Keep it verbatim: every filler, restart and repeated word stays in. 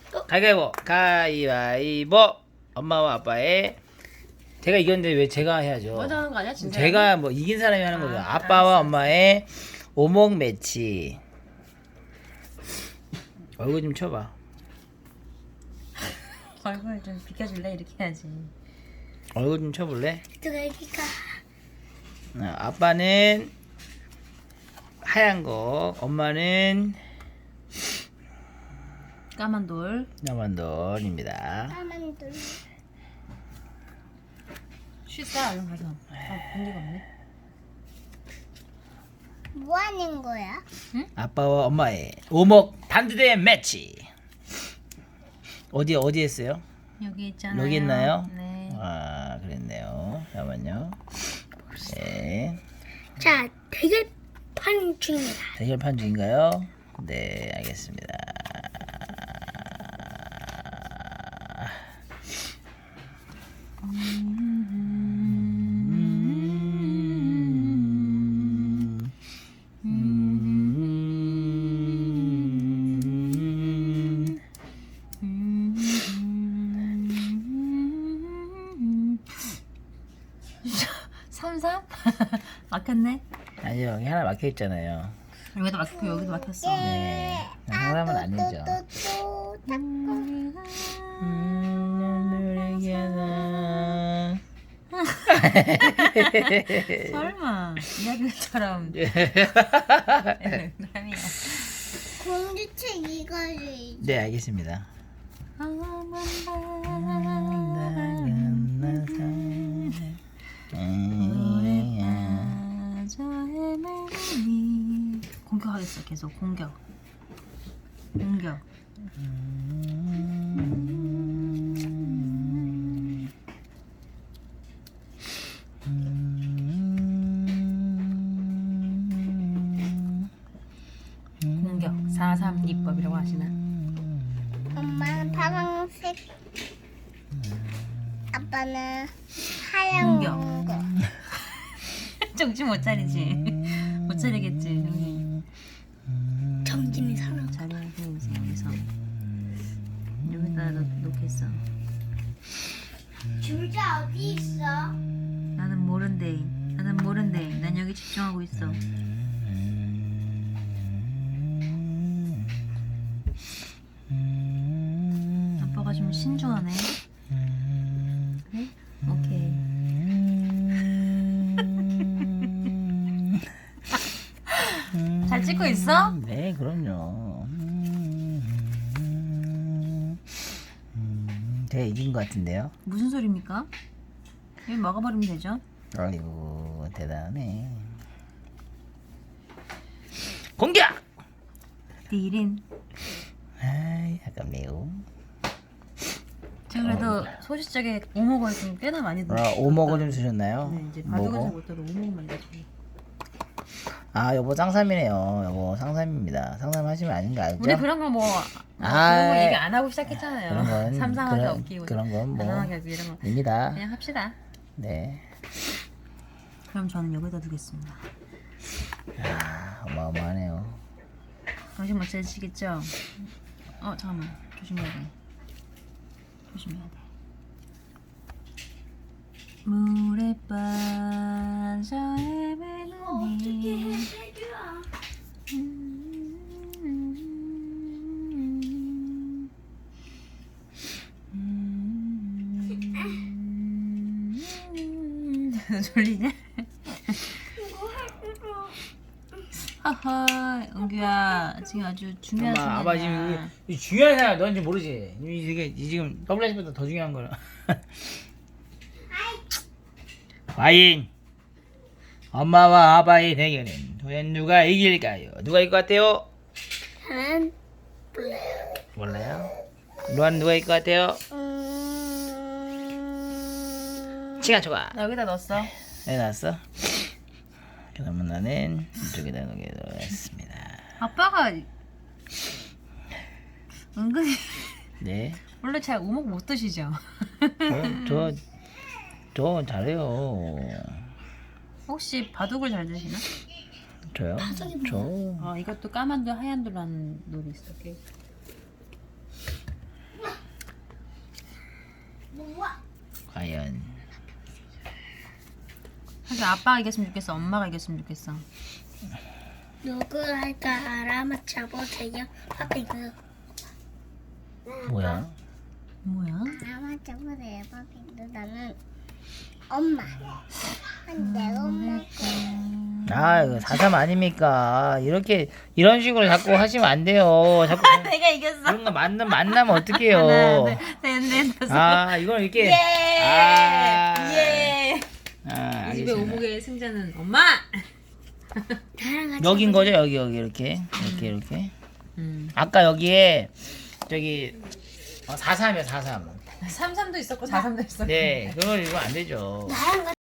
가위바위보. 가위바위보. 엄마와 아빠의 제가 이겼는데 왜 제가 해야죠? 먼저 하는 거 아니야 진짜? 제가 뭐 이긴 사람이 하는 거죠. 아, 아빠와 알았어, 엄마의 오목 매치. 얼굴 좀 쳐봐. 얼굴 좀 비켜줄래? 이렇게 해야지. 얼굴 좀 쳐볼래? 누가 이기까? 어, 아빠는 하얀 거, 엄마는 까만 돌. 나만돌입니다. 까만 돌. 쉬싸 얼른 가서. 아 분리가 없네. 뭐 하는 거야? 아빠와 엄마의 오목 단두대 매치. 어디 어디 했어요? 여기 있잖아요. 여기 있나요? 네. 아 그랬네요. 잠깐만요. 네. 자, 대결판 중입니다. 대결판 중인가요? 네, 알겠습니다. 음, 음. 삼삼? 막혔네. 아니요, 여기 하나 막혀 있잖아요. 여기도 막혔고 여기도 막혔어. 네, 상담은 아니죠. 또 닦고. 음, 노래기하나. 설마 이야기처럼. 농담이야. 공주책 이거를. 네, 알겠습니다. 공격하겠어. 계속 공격. 공격. 공격. 사삼 기법이라고 하시나? 엄마는 파란색. 아빠는 하얀 공격. 거. 정신 못 차리지. 못 차리겠지. 정신. 정신이 사나. 자리에서 여기서 여기다 놓, 놓겠어. 줄자 어디 있어? 나는 모른대. 나는 모른대. 난 여기 집중하고 있어. 아빠가 좀 신중하네. 그래? 오케이. 잘 찍고 있어? 네, 그럼요. 음, 제가 이긴 것 같은데요. 무슨 소리입니까? 여기 먹어버리면 되죠? 아이고, 대단하네. 공격! 디린. 아이, 약간 매우. 저 그래도 소시적에 오목을 좀 꽤나 많이 아, 넣었다. 오목을 좀 주셨나요? 네, 이제 바둑은 잘 뭐고? 못해도 오목만 넣어주고. 아, 여보 쌍삼이네요. 여보 쌍삼입니다. 쌍삼 하시면 아닌 거 알죠? 우리 그런 거 뭐, 뭐 아, 그런 거 얘기 안 하고 시작했잖아요. 그런 건 삼삼하게 그런- 없기고 그런 건 뭐- 가난하게 하기 이런 거 입니다. 그냥 합시다. 네. 그럼 저는 여기다 두겠습니다. 아, 어마어마하네요. 정신 못 차리시겠죠? 어 잠깐만 조심해야 돼. 조심해야 돼. 물에 빠져 헤매는 졸리냐? 하하, 은규야 지금 아주 중요한 엄마, 아빠 지금 순간이야. 이거- 이거 중요한 사람 너인지 모르지? 이- 이게 이 지금 더블유에이치보다 더 중요한 거라. 과인 엄마와 아빠의 대결은 과연 누가 이길까요? 누가 이길 것 같아요? 저는 몰라요. 루안 누가 이길 것 같아요? 음... 시간 초과. 나 여기다 넣었어. 네, 나왔어. 그러면 나는 이쪽에다 놓도록 하겠습니다. 아빠가 은근히 네. 원래 잘 오목 못 드시죠? 저, 저 잘해요. 혹시 바둑을 잘 드시나? 저요? 저. 아 이것도 까만도 하얀도라는 놀이 있어. 오케이. 과연 사실 아빠가 이겼으면 좋겠어. 엄마가 이겼으면 좋겠어. 누구 할까 알아맞혀보세요. 파핑 그 뭐야? 뭐야? 알아맞혀보세요. 파핑 나는 엄마. 근데 엄마 아 이거 사삼 아닙니까? 이렇게 이런 식으로 자꾸 하시면 안 돼요. 자꾸 내가 이겼어. 이런 거 만나 만나면 하나, 어떡해요? 둘, 셋, 넷, 다섯. 아 이걸 이렇게 예! 아, 예! 아 이 집의 알겠습니다. 오목의 승자는 엄마. 나랑 같이 여긴 거죠 여기 여기 이렇게 이렇게 이렇게. 음. 아까 여기에 저기 어, 사삼이요 사삼. 삼삼도 있었고 사삼도 있었고. 네 그거 이거 안 되죠. 나랑 같이